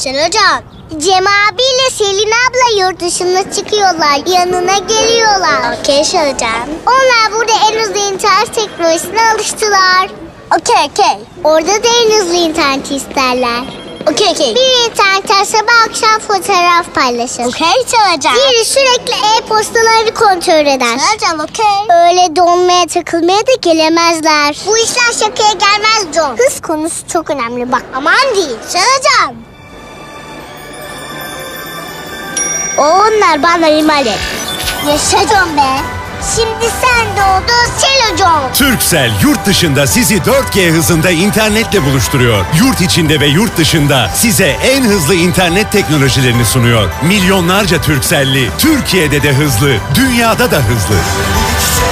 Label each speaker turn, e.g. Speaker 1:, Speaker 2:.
Speaker 1: Hocam. Cem abiyle Selin abla yurt dışına çıkıyorlar. Yanına geliyorlar. Okey hocam. Onlar burada en hızlı internet teknolojisine alıştılar. Okey. Orada da en hızlı interneti isterler. Okey. Bir internetten sabah akşam fotoğraf paylaşır. Okey çalacağım. Diğeri sürekli e-postaları kontrol eder. Çalacağım okey. Öyle donmaya takılmaya da gelemezler. Bu işler şakaya gelmez John. Hız konusu çok önemli bak. Aman değil. Çalacağım. Onlar bana imal et. Yaşa John be. Şimdi sen doğdun Selo John.
Speaker 2: Turkcell yurt dışında sizi 4G hızında internetle buluşturuyor. Yurt içinde ve yurt dışında size en hızlı internet teknolojilerini sunuyor. Milyonlarca Turkcell'li Türkiye'de de hızlı, dünyada da hızlı.